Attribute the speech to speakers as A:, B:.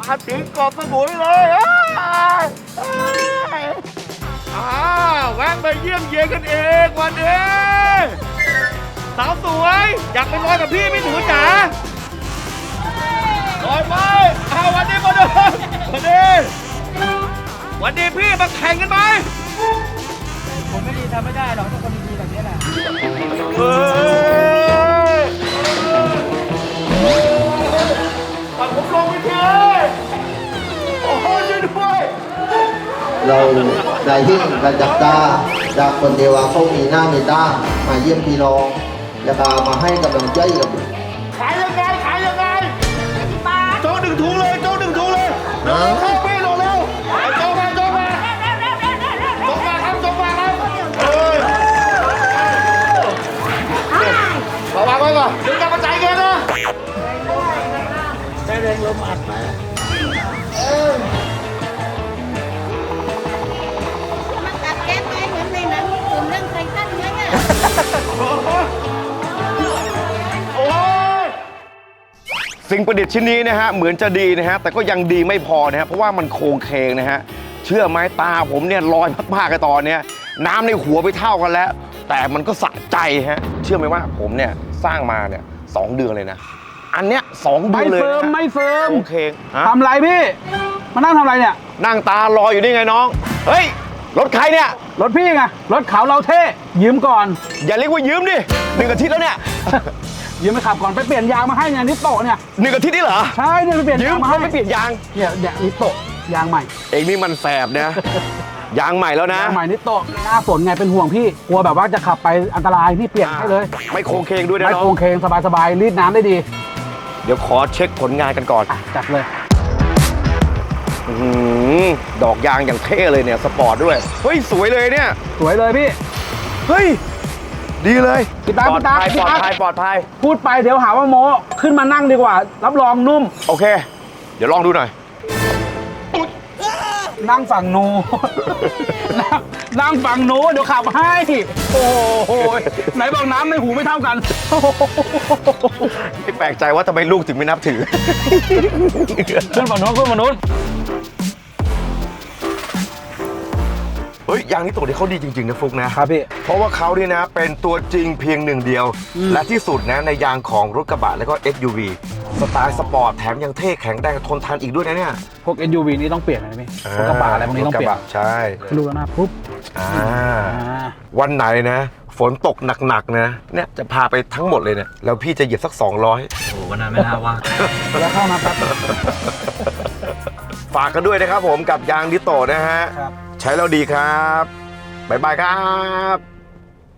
A: มาถึงเกาะสมุยเลยแวะมาเยี่ยมเยียนกันเองวันนี้สาวสวยอยากไปลอยกับพี่หนูจ๋าลอยไปวันนี้มาดูวันนี้พี่มาแข่งกันไหม
B: ผมไม่ดีทำไม่ได้หรอกทุกคนดีแบบนี้แหละ
A: ปัดผมลงไปทีโอ้โหช่วยด้วย
C: เราได้หิ้งกันจากตาจากคนเดียวเขามีหน้ามีตามาเยี่ยมพี่น้องแล้วก็มาให้กำลังใจกับ
A: ขายยังไงโจ๊ก1 ถุงเลยโจ๊ก1 ถุงเลยเข้าพี่ลงเร็วโจ๊กมาครับระวังไว้ก่อนเดี๋ยวจะมาจ่ายเงินนะ
B: ได้แรงลมอัดมา
D: มันตัดแก๊สไหมเหมือนในหนังญี่ปุ่นเรื่องไททันไหมอ่ะ
A: สิ่งประดิษฐ์ชิ้นนี้นะฮะเหมือนจะดีนะฮะแต่ก็ยังดีไม่พอนะฮะเพราะว่ามันโค้งเคงนะฮะเชื่อไหมตาผมเนี่ยลอยมากๆกันตอนนี้น้ำในหัวไปเท่ากันแล้วแต่มันก็สะใจฮะเชื่อไหมว่าผมเนี่ยสร้างมาเนี่ย2 เดือนเลยนะอันเนี้ย2 เดือนเลย
B: ไม่เฟิร์ม
A: โอเค
B: ทำไรพี่มานั่งทำไรเนี่ย
A: นั่งตารออยู่นี่ไงน้องเฮ้ยรถใครเนี่ย
B: รถพี่ไงรถเขาเราเท่ยืมก่อน
A: อย่าเรียกว่ายืมดิ1 อาทิตย์แล้วเนี่ย
B: ยืมไปขับก่อนไปเปลี่ยนยางมาให้เนี่ยนิโตะเนี่ย
A: 1 อาทิตย์นี่เหรอ
B: ใช่เนี่ยไปเปลี่ยน
A: ยืมเขาไปเปลี่ยนยาง
B: เนี่ยนิโตะยางใหม่
A: เองนี่มันแสบนะยางใหม่แล้วนะ
B: ยางใหม่นิโตะหน้าฝนไงเป็นห่วงพี่กลัวแบบว่าจะขับไปอันตรายพี่เปลี่ยนให้เลย
A: ไม่โค้งเคงด้วยนะ
B: ไม่โค้งเคงสบายรีดน้ำได้ดี
A: เดี๋ยวขอเช็คผลงานกันก่อน
B: จัดเลย
A: ดอกยางอย่างเท่เลยเนี่ยสปอร์ตด้วยเฮ้ยสวยเลยเนี่ย
B: สวยเลยพี่
A: เฮ้ยดีเลย
B: ปลอด
A: ภัย
B: พูดไปเดี๋ยวหาว่าโม้ขึ้นมานั่งดีกว่ารับรองนุ่ม
A: โอเคเดี๋ยวลองดูหน่อย
B: นั่งฝั่งนูนั่งฝั่งนูเดี๋ยวขับให้โอ้โหไหนบอกน้ำในหูไม่เท่ากัน
A: ไม่แปลกใจว่าทำไมลูกถึงไม่นับถือ
B: ขึ้นฝั่งนู้น
A: เฮ้ยยางนี้ตัวนี้เขาดีจริงๆนะฟุกนะครับ
B: พี่
A: เพราะว่าเขาเนี่ยนะเป็นตัวจริงเพียง1 เดียวและที่สุดนะในยางของรถกระบะแล้วก็ SUV สไตล์สปอร์ตแถมยังเท่แข็งแรงทนทานอีกด้วยนะเนี่ย
B: พวก SUV นี่ต้องเปลี่ยนนะพี่รถกระบะอะไรพวกนี้ต้องเปลี่ยน
A: ใช่
B: ดูแล้วนะปุ๊บ
A: วันไหนนะฝนตกหนักๆนะเนี่ยจะพาไปทั้งหมดเลยเนี่ยแล้วพี่จะเหยียบสัก200
B: โอ้วันนั้นไม่น่าว่าแล้วเข้ามาครับ
A: ฝากกันด้วยนะครับผมกับยางนิโตะนะฮะใช้แล้วดีครับบ๊ายบายครับ